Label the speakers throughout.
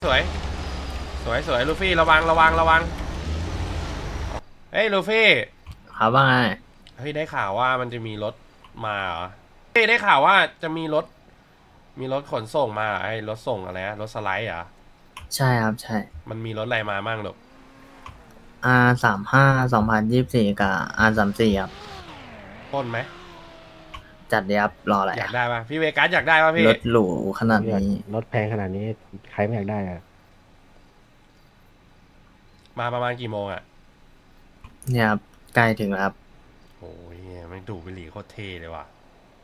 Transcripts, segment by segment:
Speaker 1: สวยสวยลูฟี่ระวังเฮ้ยลูฟี่
Speaker 2: ครับว่าไง
Speaker 1: เฮ้ยได้ข่าวว่ามันจะมีรถมาเหรอเฮ้ยได้ข่าวว่าจะมีรถขนส่งมาไอ้รถส่งอะไรนะรถสไลด์เหรอ
Speaker 2: ใช่ครับใช่
Speaker 1: มันมีรถอะไรมามั่งหรอก
Speaker 2: R35 2024กับ R34ครับ
Speaker 1: ปล้นไหม
Speaker 2: จัดเดียบรออะไร
Speaker 1: อยาก
Speaker 2: อะ
Speaker 1: ได้ป่ะพี่เวกัสอยากได้ป่ะพี่
Speaker 2: รถหรูขนาด
Speaker 3: อยาก
Speaker 2: นี้
Speaker 3: รถแพงขนาดนี้ใครไม่อยากได้อะ
Speaker 1: มาประมาณกี่โมงอ่ะ
Speaker 2: เนี่ยครับใกล้ถึงแล้วครับ
Speaker 1: โอ้ยไม่ดูดบุหรี่โคตรเท่เลยว่ะ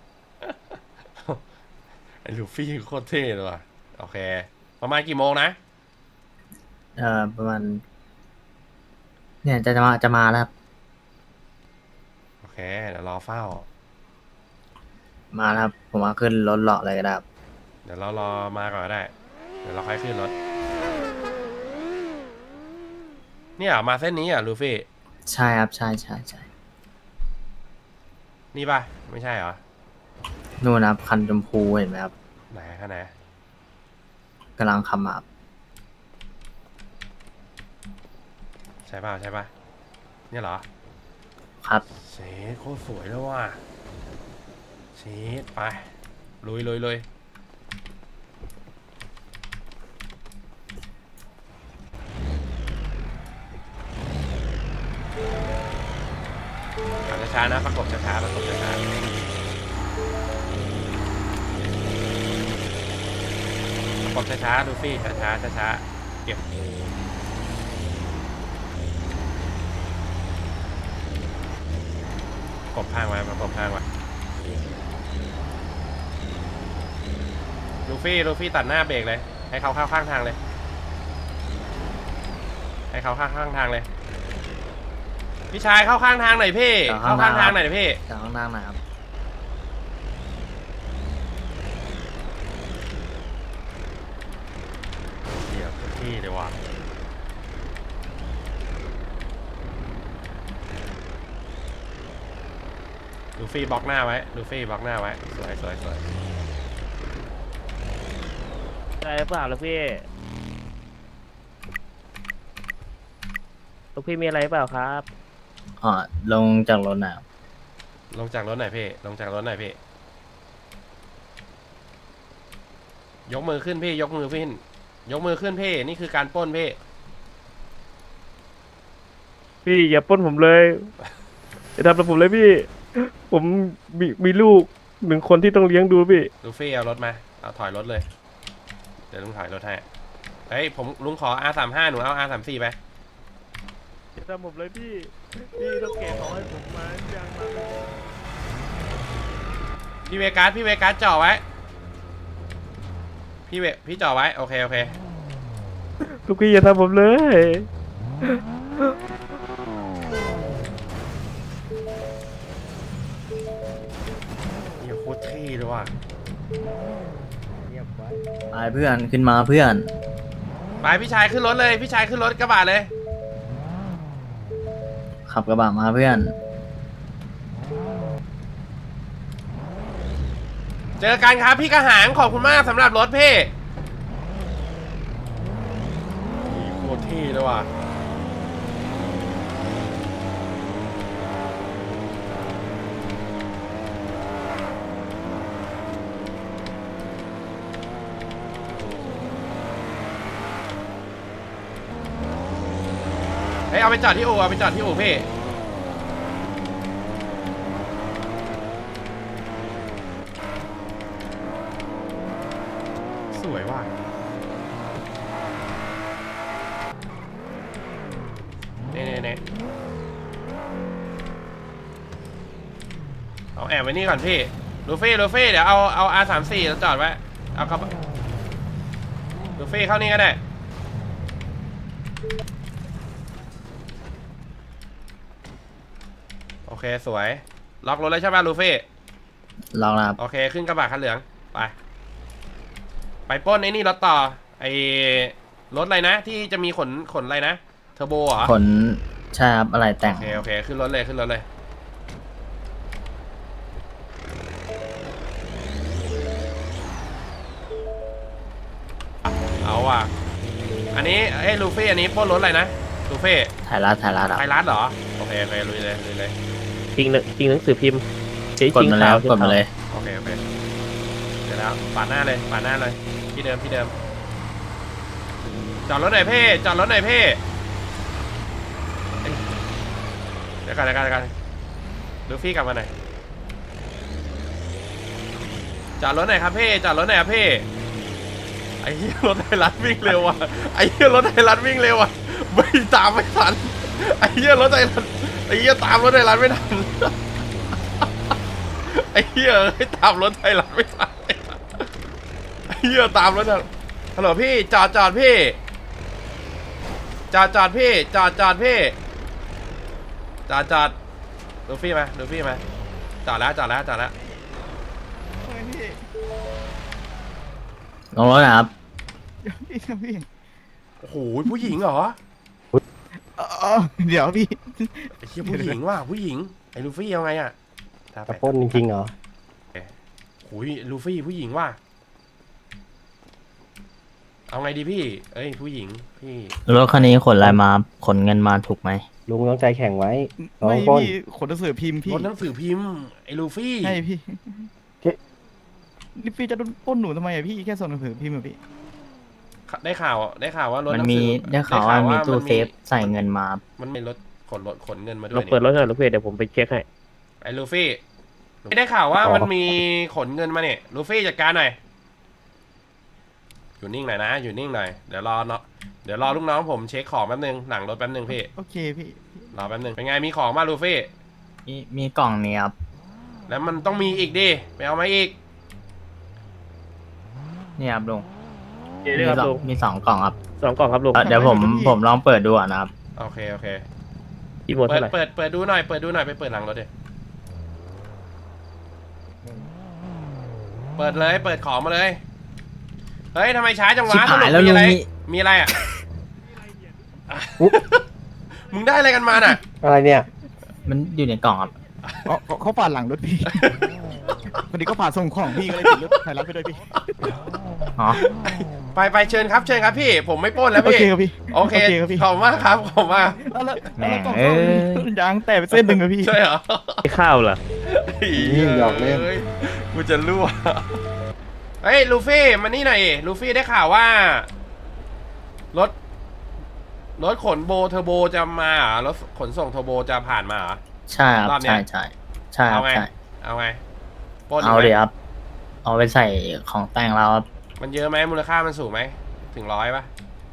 Speaker 1: ไอ้ลูฟี่โคตรเท่เลยว่ะโอเคประมาณกี่โมงนะ
Speaker 2: ประมาณเนี่ยจะมาแล้วครับ
Speaker 1: โอเคเดี๋ยวรอเฝ้า
Speaker 2: มาแล้วครับผมว่าขึ้นรถเลาะเลยก็ได้ครับ
Speaker 1: เดี๋ยวเรารอมาก่อนก็ได้เดี๋ยวเราค่อยขึ้นรถเนี่ยมาเส้นนี้อ่ะลูฟี่
Speaker 2: ใช่ครับใช่ใช่ใช่
Speaker 1: นี่ป่ะไม่ใช่เหรอ
Speaker 2: นู่นนะครับคันชมพูเห็นไหมครับ
Speaker 1: ไหนข้างไหน
Speaker 2: กำลังขับมาครับ
Speaker 1: ใช่ป่ะเนี่ยเหรอ
Speaker 2: ครับ
Speaker 1: เชดโคตรสวยแล้วว่ะเชดไปลุยขับช้าๆนะประกบช้าๆดูฟี่ช้าเก็บกบข้างไว้ประกบข้างไว้ลูฟี่ตัดหน้าเบรกเลยให้เขาเข้าข้างทางเลยให้เขาเข้าข้างทางเลยพี่ชายเข้าข้างทางหน่อยพี่เข้าข้างทางหน่อยพี่
Speaker 2: จากข้างหน้าหนะครับ
Speaker 1: เดี๋ยวพี่เดี๋ยวว่ะลูฟี่บล็อกหน้าไว้สวย
Speaker 4: อะไรหรือเปล่าลูกพี่ลูกพี่มีอะไรหรือเปล่าครับ
Speaker 2: อ๋อลงจากรถนะครับ
Speaker 1: ลงจากรถหน่อยพี่ยกมือขึ้นพี่ยกมือขึ้นพี่นี่คือการปล้นพี่
Speaker 4: พี่อย่าปล้นผมเลยอย่าทำกับผมเลยพี่ ผมมีลูกหนึ่งคนที่ต้องเลี้ยงดูพี่
Speaker 1: ลูฟี่เอารถมาเอาถอยรถเลยเดี๋ยวลุงถอยรถให้เฮ้ยผมลุงขอ R35 หนูเอา R34 ไป
Speaker 4: อย่าทำผมเลยพี่ต้องเก็บของให้ผมมาอย่างมา
Speaker 1: พี่เวกัสจ่อไว้พี่จ่อไว้โอเค
Speaker 4: ลูกพี่อย่าทำผมเลย
Speaker 1: นี่โคตรเท่เลยว่ะ
Speaker 3: เงียบไว้
Speaker 2: ไปเพื่อนขึ้นมาเพื่อน
Speaker 1: ไปพี่ชายขึ้นรถเลยพี่ชายขึ้นรถกระบะเลย
Speaker 2: ขับกระบะมาเพื่อน
Speaker 1: เจอกันครับพี่กระหางขอบคุณมากสำหรับรถพี่โคตรเท่เลยว่ะเฮ้ยเอาไปจอดที่อู่พี่สวยว่ะเน่เอาแอบไว้นี่ก่อนพี่ลูฟี่เดี๋ยวเอา R34 แล้วจอดไว้เอาครับลูฟี่เข้านี่ก็ได้โอเคสวยล็อกรถเลยใช่ป่ะลูฟี่
Speaker 2: ลองนะครับ
Speaker 1: โอเคขึ้นกระบะคันเหลืองไปปล้นไอ้นี่รถต่อไอ้รถอะไรนะที่จะมีขนอะไรนะเทอร์โบเหรอ
Speaker 2: ขนใช่ครับอะไรแต่ง
Speaker 1: โอเคขึ้นรถเลยเอาว่ะอันนี้ลูฟี่อันนี้ปล้นรถอะไรนะลูฟี่
Speaker 2: ถ่ายรัดครับ
Speaker 1: ไทยรัฐเหรอโอเคลุยเลย
Speaker 4: จริงหนังสือพิมพ์จริง
Speaker 2: กดมาแล้วกดมาเลย
Speaker 1: โอเคเดี๋ยวแล้วปาดหน้าเลยที่เดิมจอดรถหน่อยเพ่เอ้ยเดี๋ยวกันลูฟี่กลับมาหน่อยจอดรถหน่อยครับเพ่ไอ้เหี้ยรถไทยรัฐวิ่งเร็วอ่ะไม่ตามไม่ทันไอ้เหี้ยรถไทยรัฐตามรถไทยรัฐไม่ทันไอ้เหี้ยตามรถไทยรัฐไม่ทันไอ้เหี้ยตามรถฮัลโหลพี่จอดพี่จอดพี่ลูฟี่มาจอดแล้ว
Speaker 2: ลงรถนะครับ
Speaker 5: พี่
Speaker 1: โอ้โหผู้หญิงเหรอ
Speaker 5: เดี๋ยวพี่
Speaker 1: ไอ้เหี้ยผู้หญิงว่ะผู้หญิงไอ้ลูฟี่เอาไงอ่ะ
Speaker 3: จะปล้นจริงๆเหรอ
Speaker 1: โอ้ยลูฟี่ผู้หญิงว่ะเอาไงดีพี่เอ้ยผู้หญิงพี่
Speaker 2: รถคันนี้ขนอะไรมาขนเงินมาถูกไหม
Speaker 3: ลุงต้องใจแข็งไว้น้อ
Speaker 5: ไม่
Speaker 3: งปล้น
Speaker 5: พี่ขนหนังสือพิมพ์พี่
Speaker 1: รถหนังสือพิมพ์ไอ้ลูฟี่
Speaker 5: ใช่พี่นี่พี่จะโดนปล้นหนูทำไมอะพี่แค่ส่งหนังสือพิมพ์อะพี่
Speaker 1: ได้ข่าวว่ารถ
Speaker 2: มัน
Speaker 1: หนัง
Speaker 2: มี
Speaker 1: สือ
Speaker 2: ได้ข่าวว่ามีตู้เซฟใส่เงินมา
Speaker 1: มันมีรถขนเงินมาด้
Speaker 4: ล
Speaker 1: ว
Speaker 4: อย งเปิดรถหน่อยลูกพี่เดี๋ยวผมไปเช็คให้
Speaker 1: ไอ้ลูฟี่ไม่ได้ข่าวว่ามันมีขนเงินมาเนี่ยลูฟี่จัดการหน่อยอยู่นิ่งหน่อยเดี๋ยวรอลูกน้องผมเช็คของแป๊บนึงหลังรถแป๊บนึงพี่
Speaker 5: โอเคพี่
Speaker 1: รอแป๊บนึงเป็นไงมีของมาลูฟี่
Speaker 2: มีกล่องนี้ครับ
Speaker 1: แล้วมันต้องมีอีกดิไปเอามาอีก
Speaker 2: นี่ครับลุง
Speaker 4: เดี๋ยวครับลุง
Speaker 2: มี2กล่องครับ
Speaker 4: 2 กล่องครับลุง
Speaker 2: เดี๋ยวผมลองเปิดดูก่อนนะครับ
Speaker 1: โอเค
Speaker 4: กี่หมด
Speaker 1: เปิ
Speaker 4: เท่า
Speaker 1: ด
Speaker 4: ไหร่
Speaker 1: เปิดดูหน่อยไปเปิดหลังรถดิเปิดเลยเปิดของมาเลยเฮ้ยทำไมช้าจังวะ
Speaker 2: ชิบหายแล้ว
Speaker 1: มีอะไร
Speaker 2: ลุงนี่
Speaker 1: มีอะไรอ่ะมึงได้อะไรกันมาน่ะ
Speaker 3: อะไรเนี่ย
Speaker 2: มันอยู่ในกล่องครับ
Speaker 5: เขาปาดหลังรถพี่พอดีก็ปาดส่งของพี่ก็เลยติดรถไทยรัฐไปด้วยพี่
Speaker 2: อ๋อ
Speaker 1: ไปเชิญครับพี่ผมไม่ปล้นแล้ว
Speaker 5: โอ
Speaker 1: พี่
Speaker 5: เคครับพี่
Speaker 1: โอเค
Speaker 5: ครับพี่
Speaker 1: ขอบคุณมากครับขอบคุณมาก
Speaker 5: แล้ว
Speaker 2: แหม่
Speaker 5: กล่องเขายางแตกไปเส้นหนึ่งอะพี่
Speaker 1: ใช่เหรอ
Speaker 4: ไม่ข้าวเหรอ
Speaker 3: หยอกเล่น
Speaker 1: ฮ้ยกูจะรั่วเฮ้ยลูฟี่มานี่หน่อยลูฟี่ได้ข่าวว่ารถขนโบเทอร์โบจะมาเหรอรถขนส่งเทอร์โบจะผ่านมาเหรอ
Speaker 2: ใช่ครับ
Speaker 1: รอบเนี้ย
Speaker 2: ใช่ครั
Speaker 1: เอา
Speaker 2: บ
Speaker 1: ไง
Speaker 2: ใช่
Speaker 1: เอาไงปล้น
Speaker 2: เอา
Speaker 1: กไหม
Speaker 2: เดี๋ยวครับเอาไปใส่ของแต่งเราครับ
Speaker 1: มันเยอะไหมมูลค่ามันสูงไหมถึง100ป่ะ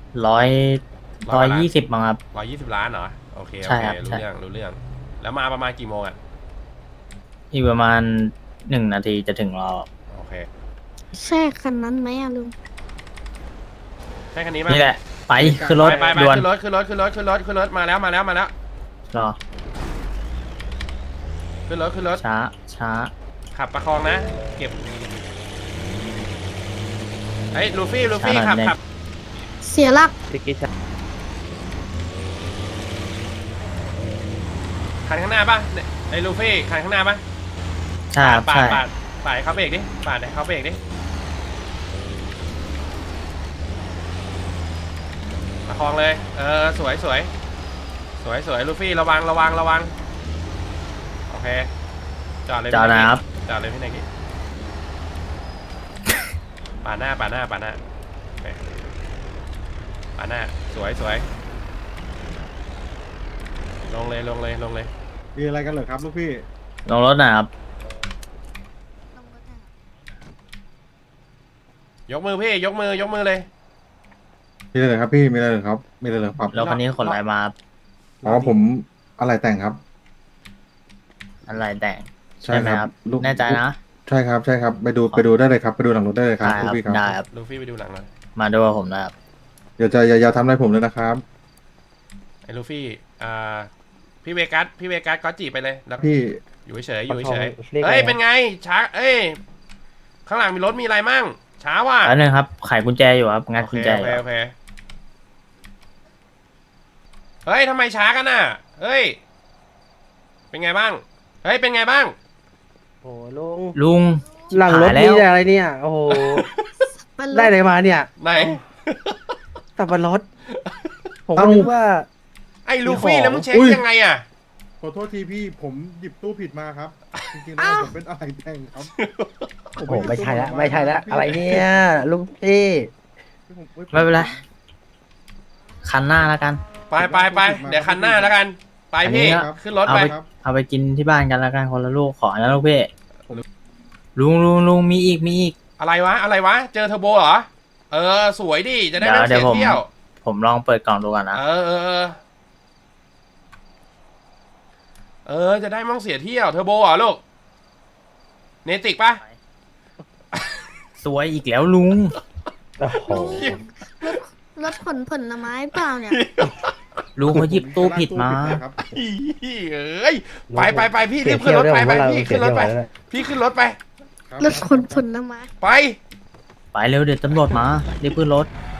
Speaker 2: 120มั้งครับ
Speaker 1: 120 ล้านเหรอโอเค
Speaker 2: ใช่ครับ
Speaker 1: รู้
Speaker 2: ใช่
Speaker 1: เรื่องแล้วมาประมาณกี่โมงอ่ะ
Speaker 2: อีกประมาณ1 นาทีจะถึงเรา
Speaker 1: โอเค
Speaker 6: ใช่คันนั้นไหมอะลุง
Speaker 1: ใช่คันนี้ป่ะ
Speaker 2: นี่แหละ ไปขึ้นรถ
Speaker 1: ไป
Speaker 2: ด่วน
Speaker 1: ขึ้นรถมาแล้ว
Speaker 2: รอ
Speaker 1: ขึ้นรถ
Speaker 2: ช้า
Speaker 1: ขับประคองนะเก็บไอ้ยลูฟี่
Speaker 2: ช้าหน่อย
Speaker 1: ขับ
Speaker 6: เสียหลัก
Speaker 4: ติ๊กกี้ชัด
Speaker 1: คันข้างหน้าป่ะเนี่ยไอ้ลูฟี่คันข้างหน้าป่ะ
Speaker 2: ใช่ครับ
Speaker 1: ปา
Speaker 2: ใช่
Speaker 1: ดให้เขาเบรกดิปาดให้เขาเบรกดิประคองเลยสวยลูฟี่ระวังโอเคจอดเลย
Speaker 2: จอดนะครับ
Speaker 1: จอดเลยพี่นายกี้ปาดหน้าโอเคปาดหน้าสวยลงเลย
Speaker 7: มีอะไรกันเหรอครับลูกพี่
Speaker 2: ลงรถหนะครับ
Speaker 1: ยกมือพี่ยกมือเลย
Speaker 7: มีอะไรเหรอครับพี่ มีอะไรเหรอครับ มีอะไรเหรอครับ
Speaker 2: รถคันนี้ขนอะไรมาครับ
Speaker 7: อ๋อผมอะไรแต่งครับ
Speaker 2: อะไรแต่ง
Speaker 7: ใช่
Speaker 2: ไหม
Speaker 7: ครับลูก
Speaker 2: แน่ใจนะ
Speaker 7: ใช่ครับ ไปดูได้เลยครับ ไปดูหลังรถได้เลยครับ
Speaker 2: ได้
Speaker 7: ลู
Speaker 2: ค
Speaker 7: ก
Speaker 2: รับ
Speaker 7: พี่ครับ
Speaker 2: ได้ครับ
Speaker 1: ลูฟี่ไปดูหลังหน่อย
Speaker 2: มาดูกับผมนะครับ
Speaker 7: อย่าทำอะไรผมเลยนะครับ
Speaker 1: ไอ้ลูฟี่พี่เวกัสก็จีบไปเลยแล้ว
Speaker 7: พี่
Speaker 1: อยู่เฉย
Speaker 3: ประคองเรียก
Speaker 1: เฮ้ย
Speaker 3: ไง
Speaker 1: เป็นไงช้าข้างหลังมีรถมีอะไรมั่งช้าว่ะ
Speaker 2: แล้วนึงครับไขกุญแจอยู่ครับงัด
Speaker 1: โอ
Speaker 2: กุญ
Speaker 1: เค
Speaker 2: แจ
Speaker 1: โอ
Speaker 2: อยู่
Speaker 1: เค
Speaker 2: ครับ
Speaker 1: โอเคเฮ้ยทำไมช้ากันน่ะเฮ้ยเป็นไงบ้างเป็นไงบ้าง
Speaker 3: โอ้ลุง
Speaker 2: ลุง
Speaker 3: หลังรถ
Speaker 2: หายแล้
Speaker 3: มี
Speaker 2: ว
Speaker 3: แต่อะไรเนี่ย โอ้โห
Speaker 6: มัน
Speaker 3: ได้อะไรมาเนี่ย
Speaker 1: ไหน
Speaker 3: สับปะรดผมก็นึกว่า
Speaker 1: ไอ้ลูฟี่แล้วมึงเช็คยังไงอ่ะ
Speaker 7: ขอโทษทีพี่ผมหยิบตู้ผิดมาครับ จริงๆแล้วผมเป็นอะไรแต่งครับ
Speaker 3: โอ้โหไม่ใช่ละไม่ใช่ละอะไรเนี่ยลุงพี่
Speaker 2: ไม่เป็นไรคันหน้าแล้วกัน
Speaker 1: ไปเดี๋ยวคันหน้าแล้วกัน ไปพี่
Speaker 2: อันนี้ก็
Speaker 1: ขึ้นรถ
Speaker 2: เอา
Speaker 1: ไป
Speaker 2: ไปเอาไปกินที่บ้านกันแล้วกันคนละลูกขอนะลูกพี่ลุงมีอีก
Speaker 1: อะไรวะ เจอเทอร์โบเหรอ เออ สวยดิ จะได้ไม่
Speaker 2: เดี๋
Speaker 1: เสี
Speaker 2: ยวย ผม
Speaker 1: เที่ยว
Speaker 2: ผมลองเปิดกล่องดูก่อนนะ
Speaker 1: จะได้ไม่ต้องเสียเที่ยว เทอร์โบเหรอลูก เนติกปะ
Speaker 2: สวยอีกแล้วลุง
Speaker 3: โอ้โห
Speaker 6: รถขนผลไม้เปล่าเนี่ย
Speaker 2: ลุงเขาหยิบตู้ผิดมา
Speaker 7: ครับ
Speaker 1: เอ้ย ไปพี่รีบขึ้นรถไปพี่ขึ้นรถไป พี่ขึ้นรถไป
Speaker 6: รถขนผลไม้
Speaker 1: ไป
Speaker 2: ไปเร็วเดี๋ยวตำรวจมารีบขึ้นรถ
Speaker 1: ไ